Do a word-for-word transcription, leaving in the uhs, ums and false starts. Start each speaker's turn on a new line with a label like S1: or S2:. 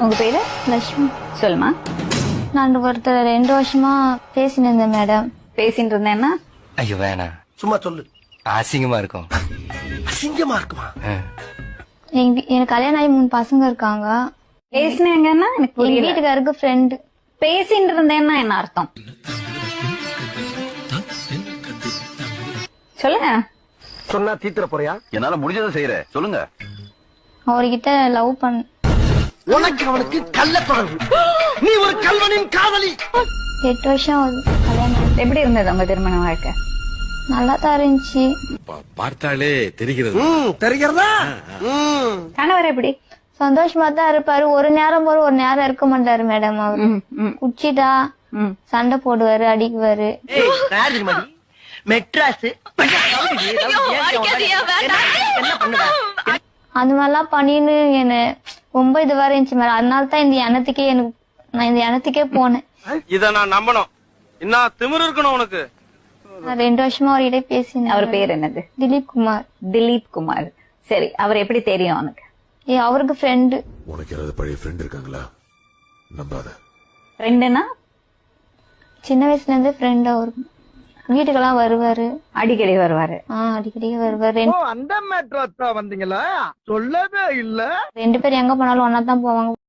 S1: உங்க பேரு?
S2: லட்சுமி.
S1: சொல்லுமா.
S2: நான் ஒருத்தர் ரெண்டு வருஷமா பேசினு இருந்தேன் மேடம்.
S1: பேசிட்டு இருந்தேன்னா?
S3: ஐயோ வேணாம்,
S4: சும்மா சொல்லு.
S3: அசிங்கமா இருக்கும்.
S4: அசிங்கமா இருக்குமா?
S2: எங்க வீ- எனக்கு கல்யாணம் ஆகி மூணு பசங்க இருக்காங்க.
S1: பேசினேங்கன்னா எனக்கு
S2: எங்க
S1: புரியல.
S2: வீட்டுக்காருக்கு ஃப்ரெண்டு.
S1: பேசிட்டு இருந்தேன்னா என்ன அர்த்தம் சொல்லுங்க.
S4: சொன்னா தீத்துற போறியா?
S5: என்னால முடிஞ்சதை செய்யறேன், சொல்லுங்க.
S2: அவர்கிட்ட லவ் பண்ண
S4: உனக்கு அவனுக்கு கள்ள தொடர்பு. நீ ஒரு கல்வனின் காதலி.
S2: எட்டு வருஷம் ஆகுது கல்யாணம் ஆகி.
S1: எப்படி இருந்தது உங்க திருமண வாழ்க்கை?
S2: நல்லா தான் இருந்துச்சு.
S6: பார்த்தாலே தெரிகிறது.
S4: ம், தெரிகிறதா? ம்.
S1: கணவர் எப்படி?
S2: சந்தோஷமா தான் இருப்பாரு. ஒரு நேரம் போல ஒரு நேரம் இருக்க மாட்டாரு மேடம். அவரு
S1: ம், ம்,
S2: குச்சிட்டா
S1: ம்.
S2: சண்டை போடுவாரு, அடிக்குவாரு.
S4: மெட்ராஸ்
S2: அந்த மாதிரிலாம் பண்ணின்னு என்ன ரொம்ப இதுவா இருந்துச்சு மேடம். அதனால தான் இந்த எண்ணத்துக்கே எனக்கு நான் இந்த எண்ணத்துக்கே போனேன்.
S7: இத நான் நம்பணும். என்ன திமிரு இருக்கணும் உனக்கு?
S2: நான் ரெண்டு வருஷமா அவர்கிட்ட பேசினேன்.
S1: அவர் பேர் என்னது?
S2: திலீப் குமார்.
S1: திலீப் குமார். சரி, அவர் எப்படி தெரியும் உனக்கு?
S2: ஏ அவருக்கு ஃப்ரெண்டு.
S6: உனக்கு யாராவது பழைய ஃப்ரெண்ட் இருக்காங்களா? நம்பாத.
S1: ஃப்ரெண்டுனா
S2: சின்ன வயசுல இருந்தே ஃப்ரெண்ட். அவருக்கு வீட்டுக்கெல்லாம் வருவாரு,
S1: அடிக்கடி வருவாரு.
S2: ஆஹ் அடிக்கடி வருவாரு. ரெண்டு-
S4: அந்த மெட்ராஸ் வந்தீங்களா? சொல்லவே இல்ல.
S2: ரெண்டு பேரும் எங்க போனாலும் ஒன்னா தான் போவாங்க.